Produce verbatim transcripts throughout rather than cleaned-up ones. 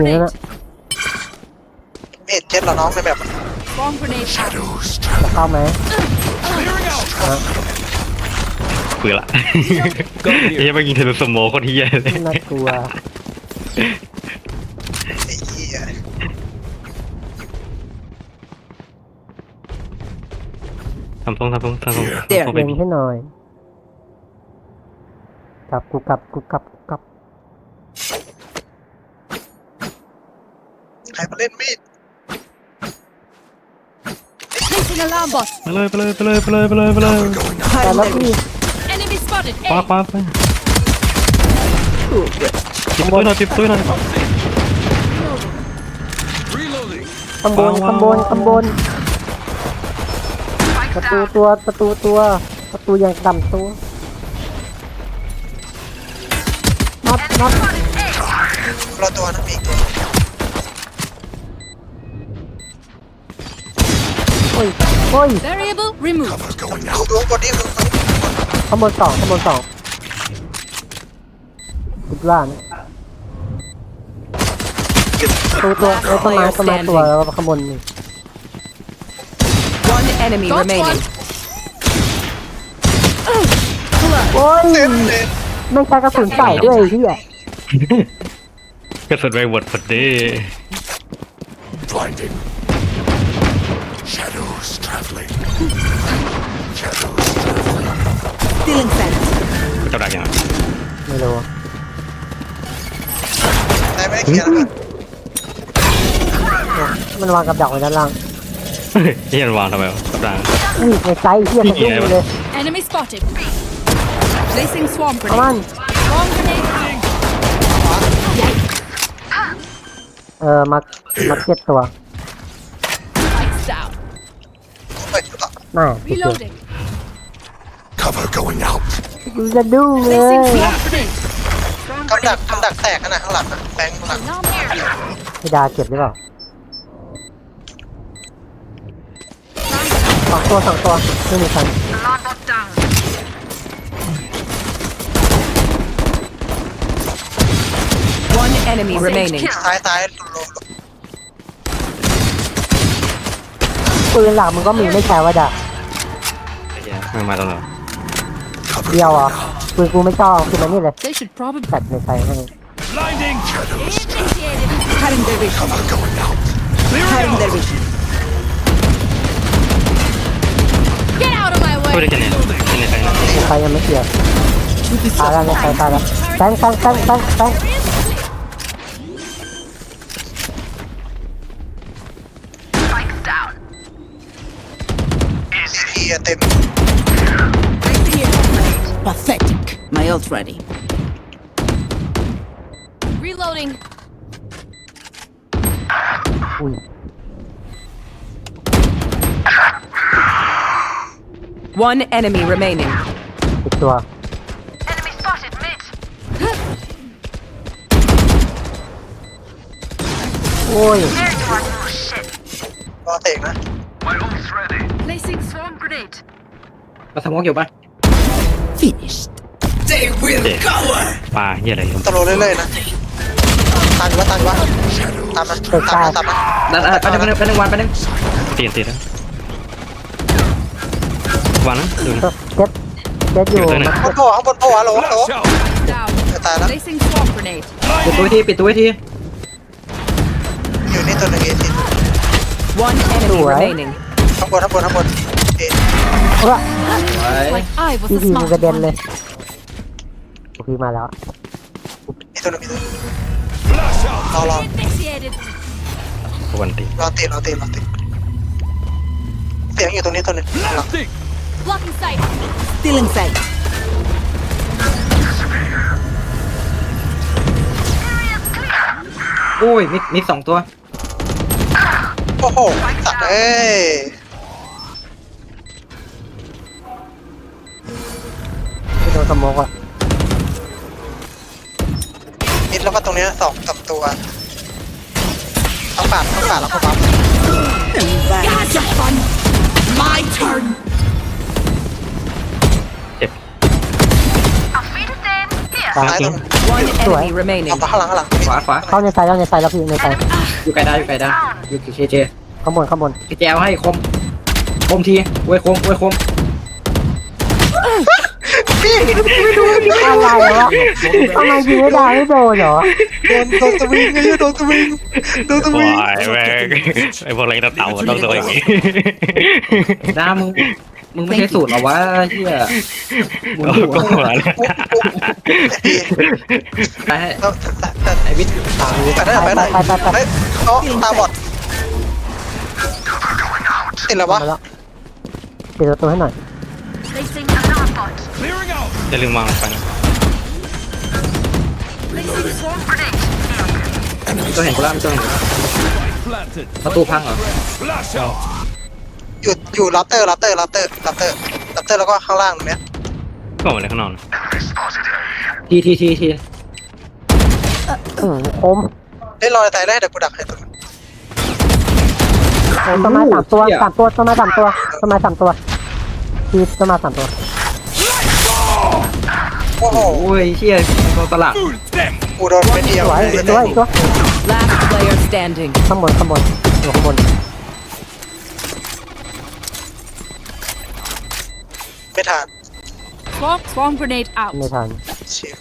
นี่นะเอ็ดเจ็ดเราน้องในแบบ Bomb grenade out. จะเข้าไหมเบื่อละไอ้ยังไม่กินเทนสโมโคตรเฮียเลยน่ากลัวไอ้เหี้ยทำทรงทำทรงทำทรงเดี๋ยวทำทรงไปเล็งให้หน่อยกลับกูกลับกูกลับกูกลับใครมาเล่นมีด Placing alarm bot. ไปเลยไปเลยไปเลยไปเลยไปเลยไปเลยแต่แล้วพี่ Enemy spotted. ปา A. ปาไปปิดประตูหน่อยปิดประตูหน่อยข้างบนข้างบนข้างบนประตูตัวประตูตัวประตูอย่างต่ำตัวนับนับเราตัวนะมีอีกตัวโอ้ยโอ้ย Variable removed. ดูดูบนนี้มึงข้างบนสองข้างบนสองคิดว่านะประตูตัวไอ้ต้นไม้ต้นไม้ตัวแล้วก็ข้างบนนี่ One enemy Got remaining. one. โอ้ยเต็มเลยไม่ใช้กระสุนใส่ด้วยไอ้เหี้ยกระสุนไปหมดพอดี Blinding. Shadows traveling. Shadows Stealing scent. เจ้าดักยังไงไม่รู้ได้ไม่ได้เคลียร์แล้วกันมันวางกับดักไว้ด้านล่างเฮียมันวางทำไมวะเจ้าดักอุ้ยในไซส์เหี้ยกระตุ้งเลย Enemy spotted. Placing swarm เอามัน grenade. Swarm grenade out. เออมามาเก็ตตัว Lights down. เฮ้ยต่อน่าติดเลย Reloading. cover going out. กูจะดุ้งเลย Placing swarm grenade. กำดักกำดักแตกขนาดข้างหลังนะแบงค์ข้างหลัง Alarm here. พี่ดาเก็บหรือเปล่าสองตัวสองตัวไม่มีใคร Alarm bot down. One enemy remaining. ซ้ายซ้ายโลปืนหลักมึงก็มีไม่ใช่ว่าดาไอ้เหี้ยไม่มาตรงไหน Cover เดียว going อ่ะ out. ปืนกูไม่ชอบคือมันนี่เลย They should probably ตัดในไซส์ให้ Blinding. Shadows. initiated. Cutting their vision. Cover going out. Cutting their vision. Get out of my พูด way. ได้แค่นี้แค่นี้แค่นี้ในไซส์ยังไม่เกี่ยวตายแล้วในไซส์ตายแล้วแซงแซงแซงแซงแซงทีเต็ม Pathetic. My ult ready. Reloading. อุ้ย One enemy remaining. ติดตัว Enemy spotted mid. โอ้ยรอเตะนะ Placing swarm grenade. มาสมองอยู่ปะ Finished. They will เจ๊ปลาเฮียอะไรตะโลเรื่อยๆนะตันวะตันวะตามมาตามมาตามมานั่นไปหนึ่งไปหนึ่งไปหนึ่งวันไปหนึ่งตีนตีนนะวางนะดูนะเจ็ดเจ็ดอยู่อยู่ตรงไหนมันข้างบนโผล่ข้างบนโผล่ฮัลโหลฮัลโหล Down. ตายแล้ว Placing swarm grenade. ปิดตัวทีปิดตัวทีอยู่นี่ตัวหนึ่งเอที One enemy remaining. ข้างบนข้างบนข้างบนเอเออ Like I was พี่ the พีมัน smart กระเด็น one. เลยพี่มาแล้วมีตัวหนึ่งมีตัวหนึ่งรอรอ Initiated. วันตีรอเตะรอเตะรอเตะเสียงอยู่ตรงนี้ตัวหนึ่งหลัง Blocking sight. Stealing sight. โอ้ยมิดมิดสองตัวโอ้โหสัตว์เอ้ยไม่โดนสโมกอ่ะมิดแล้วก็ตรงนี้สองสามตัวต้องปาดต้องปาดแล้วก็ปั๊ม Gotcha fun. My turn. เจ็บซ้ายตรง One Sure. enemy remaining. เอาข้างหลังข้างหลังขวาขวาเข้าในไซด์เข้าในไซด์แล้วพี่ในไซด์อยู่ไกลได้อยู่ไกลได้อยู่เคเจข้างบนข้างบนเคเจเอาให้คมคมทีอวยคมอวยคมอะไรวะทำไมยิงไม่ได้ไม่โดนเหรอโดนโดนสวิงไอ้เหี้ยโดนสวิงโดนสวิงวายแม่งไอ้พวกเล็กตะเต่ามันต้องโดนอย่างนี้น้ามึงมึงไม่ใช่สูตรหรอวะเฮียหมุนโอ้หัวก็หัวแล้วไปให้แล้วแต่แต่ไอวิทย์แต่ได้ไปได้เฮ้ยเขาตาบอดติดแล้ววะมาแล้วปิดประตูให้หน่อย Placing alarm bot. Clearing out. จะลืมวางไปนะ Placing swarm grenade. ตัวเห็นกูแล้วตัวเห็น Planted. ประตูพังเหรอ Flash out. อยู่อยู่รับเตอร์รับเตอร์รับเตอร์รับเตอร์รับเตอร์แล้วก็ข้างล่างตรงเนี้ยก็ออกมาเลยข้างนอกนะทีทีทีทีอืมคมเล่นรอแต่แรกเดี๋ยวกูดักให้ตรงนั้นโอ้ต้นไม้สามตัวสามตัวต้นไม้สามตัวต้นไม้สามตัวทีต้นไม้สามตัวโอ้โหโอ้ยเชี่ยตัวตลาด Fool them. กูโดนไม่เดียวสวยอีกตัวอีกตัว Last player standing. ข้างบนข้างบนอยู่ข้างบนไม่ทัน Swarm swarm grenade out. ไม่ทันเชีย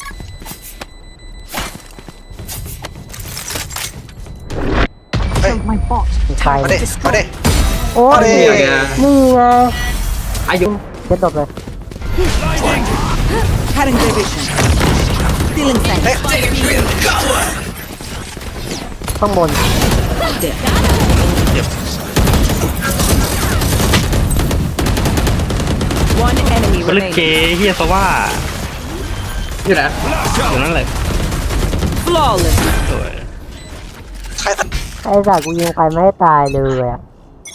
เฮ้ย My bot. มีใครมาดิมาดิโอ้ยมาดินี่ไงอายุเจ็ดดบเลย Cutting their vision. Still inside. เฮ้ยข้างบน One enemy ก็เล่นเก remaining. ย์เฮียซะว่าอยู่ไหนอยู่นั่นแหละ Flawless. สวยใครทันไอ้สัตว์กูยิงไปไม่ให้ตายเลยอ่ะ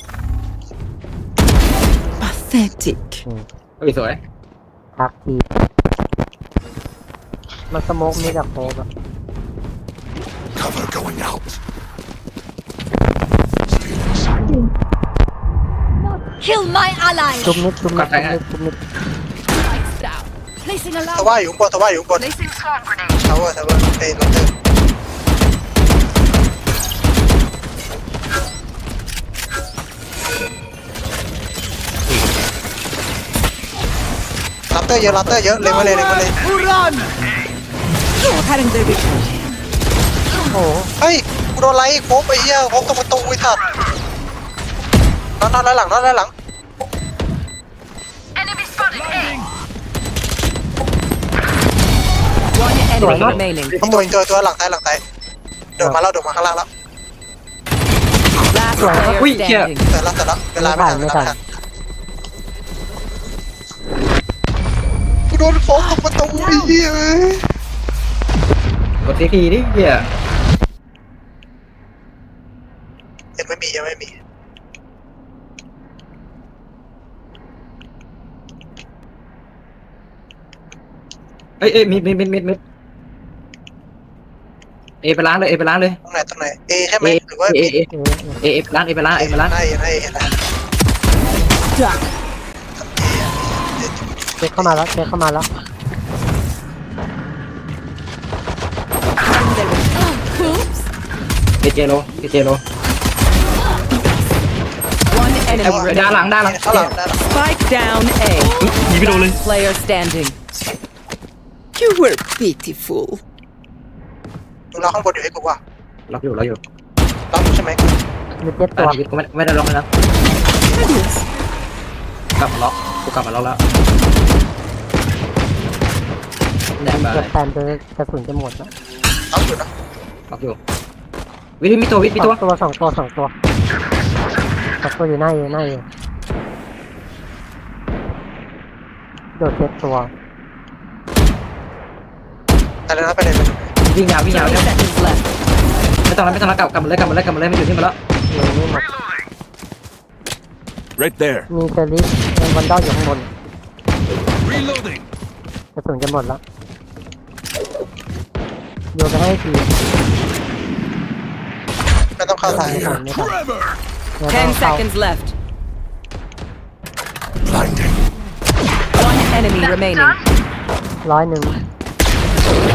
Pathetic. เฮ้ยสวยทักทีมันสโมกมีแต่โคบอะ Cover going out. Kill my ally. จุบนิดจุบนิดจุบนิดจุบนิด Lights down. Placing ตะ alarm. ว่าอยู่ข้างบนตะว่าอยู่ข้างบน Placing swarm grenade. ทาวเวอร์ทาวเวอร์เอ้ยรับเตอร์รับเตอร์เยอะรับเตอร์เยอะเล็งมาเลยเล็งมาเลย Cutting their vision. โอ้โหเฮ้ยกูโดนไล่โค้งไปเหี้ยโค้งตรงประตูไอ้สัตว์นอนนอนด้านหลังนอนด้านหลัง Enemy spotted. A. One enemy remaining. ตัวตัวตัวหลังใต้หลังใต้เดินมาแล้วเดินมาข้างล่างแล้ว Last player Ui, kìa. standing. เสร็จแล้วเสร็จแล้วเวลาไม่ทันเวลาไม่ทันกูโดนโค้งตรงประตูไอ้เหี้ยเอ้ยกดทีทีดิเฮียยังไม่มียังไม่มีเอ้ยเอ้ยมิดมิดมิดมิดมิดเอไปล้างเลยเอไปล้างเลยตรงไหนตรงไหนเอใช่ไหมเอหรือว่าเอบีเอเอเอไปล้างเอไปล้างเอไปล้างได้ได้เห็นแล้วเช็คเข้ามาแล้วเช็คเข้ามาแล้ว Oops. เอเจโลเอเจโล One ไอ้ enemy ด้านหลัง remaining. ด้านหลังข้างหลังด้านหลัง Spike down A. ยิงไม่โดนเลย Player standing. You were pitiful. มึงรอข้างบนอยู่ให้กูว่าล็อกอยู่ล็อกอยู่ล็อกอยู่ใช่ไหมมีเจ็ดแต่ตัวชีวิตกูไม่ไม่ได้ล็อกเลยนะ Adios. กลับมาล็อกกูกลับมาล็อกแล้วแหนบไปเก็บแทนจนกระสุนจะหมดแล้วล็อกอยู่นะล็อกอยู่วิธีมีตัววิธีมีสตัอวงตัวสองตัวสองตัวสองตัวอยู่หน้าอยู่หน้าอยู่โดดเจ็ดตัวไปเลยนะไปเลยไปเลยวิ่งยาววิ่งยาว thirty เนี่ย seconds left. ไม่ต้องแล้วไม่ต้องแล้วกลับกลับมาเลยกลับมาเลยกลับมาเลยไม่อยู่ที่มาแล้วเลยนี่หมด Right there. มีเซริสเป็นวันดอลอยู่ข้างบน Reloading. กระสุนจะหมดแล้วโยนไปให้ทีไม่ต้องเข้าทางไม่ทันไม่ทัน Trevor. เดี๋ยวต้ Ten องเข้า seconds left. Blinding. One enemy remaining. ร้อยหนึ่ง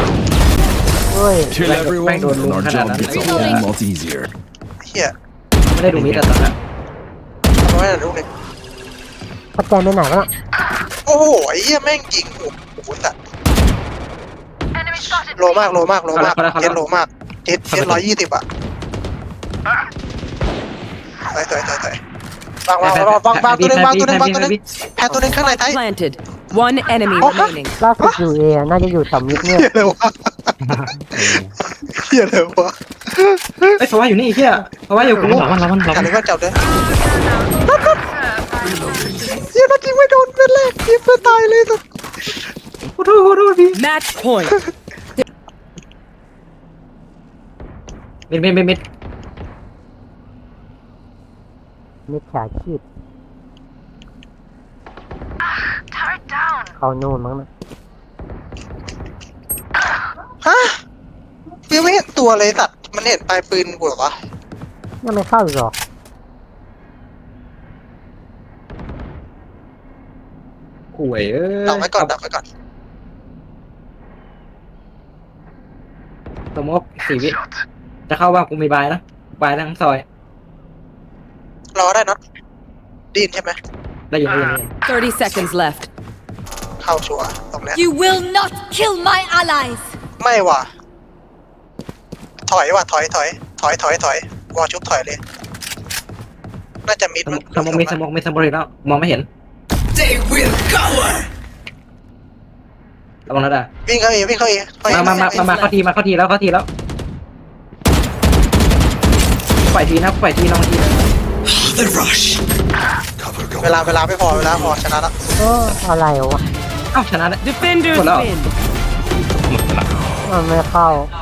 ด้วย Kill แม่ง everyone, โดนลุม and our ขนาด job นั้น gets a whole lot easier. เฮียไม่ได้ดูมิดแต่ตอนนั้นเอาไว้หน่อยลูกหนึ่งพัดแจนไปไหนวะโอ้โหไอ้เหี้ยแม่งยิงโอ้โหสัตว์โลมากโลมากโลมากเจ็ดโลมากเจ็ดเจ็ดร้อยยี่สิบอ่ะถอยถอยถอยถอยวางวางวางวางวางตัวหนึงวางตัวหนึงวางตัวหนึงแพ้ตัวหนึงข้างในไทย Planted. One enemy Oh. remaining. ล่าสุดอยู่เอน่าจะอยู่แถวมิดเนี่ยเฮียเลยวะเฮียเลยวะไอ้ยเพราะว่าอยู่นี่เฮียเพราะว่าอยู่กูเรามันเรามันเราจับมันเลยว่าจับเลยเฮียนัดยิงไม่โดนเป็นแรกยิงเพื่อตายเลยสัสขอโทษขอโทษพี่ Match point. มิดมิดมิดมิดมิดฉาชีพเขาโน่นมั้งนะฮะยังไม่เห็นตัวเลยสัตว์มันเห็นปลายปืนกูเหรอวะยังไม่เข้าอีกหรอห่วยเอ้ยดักไว้ก่อนดักไว้ก่อนสมมติสี่วิจะเข้าบ้างกูมีบายนะบายทั้งซอยรอได้เนอะดีนใช่ไหมได้ยินได้ยินได้ยิน Thirty seconds left. เข้าชัวร์ตรงเนี้ย You will not kill my allies. ไม่ว่ะถอยว่ะถอยถอยถอยถอยถอยวอชุบถอยเลย น่าจะมิดสมองสมองมีสมองมีสมองอีกแล้วมองไม่เห็น They will cover. ระวังนะด่าวิ่งเข้าเองวิ่งเข้าเองเข้เองมามามามามาเข้าทีมาเข้าทีแล้วเข้าทีแล้วปล่อยทีนะปล่อยทีน้องที The rush. Cover เว going ลาเวลาไม่พอเวลาพอชนะแล้วเอออะไรวะเอ้าชนะแล้ว Defenders Hold on. win. หมดละมันไม่เข้า One